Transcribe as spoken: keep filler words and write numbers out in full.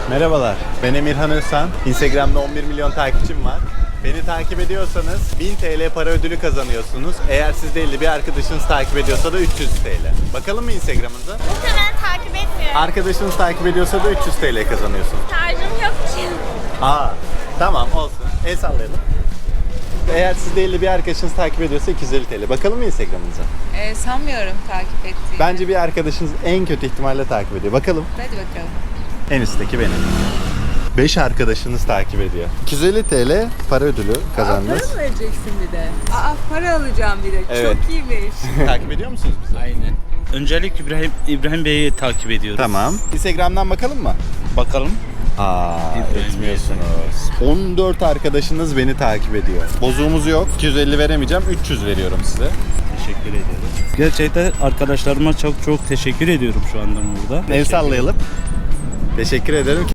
Merhabalar, ben Emirhan Özsan. Instagram'da on bir milyon takipçim var. Beni takip ediyorsanız bin T L para ödülü kazanıyorsunuz. Eğer siz değil de bir arkadaşınız takip ediyorsa da üç yüz T L. Bakalım mı Instagram'ınıza? Muhtemelen takip etmiyorum. Arkadaşınız takip ediyorsa da üç yüz T L kazanıyorsunuz. Şarjım yok ki. Aa, tamam olsun. El sallayalım. Eğer siz değil de bir arkadaşınız takip ediyorsa iki yüz elli T L. Bakalım mı Instagram'ınıza? Ee, sanmıyorum takip ettiğini. Bence bir arkadaşınız en kötü ihtimalle takip ediyor. Bakalım. Hadi bakalım. En üstteki benim. beş arkadaşınız takip ediyor. iki yüz elli T L para ödülü kazandınız. Para mı vereceksin bir de? Aa, para alacağım bir de. Evet. Çok iyiymiş. Takip ediyor musunuz bizi? Aynen. Öncelik İbrahim İbrahim Bey'i takip ediyoruz. Tamam. Instagram'dan bakalım mı? Bakalım. Aa, İbrahim etmiyorsunuz. on dört arkadaşınız beni takip ediyor. Bozuğumuz yok. iki yüz elli veremeyeceğim. üç yüz veriyorum size. Teşekkür ediyorum. Gerçekten arkadaşlarıma çok çok teşekkür ediyorum şu anda burada. El sallayalım. Teşekkür ederim.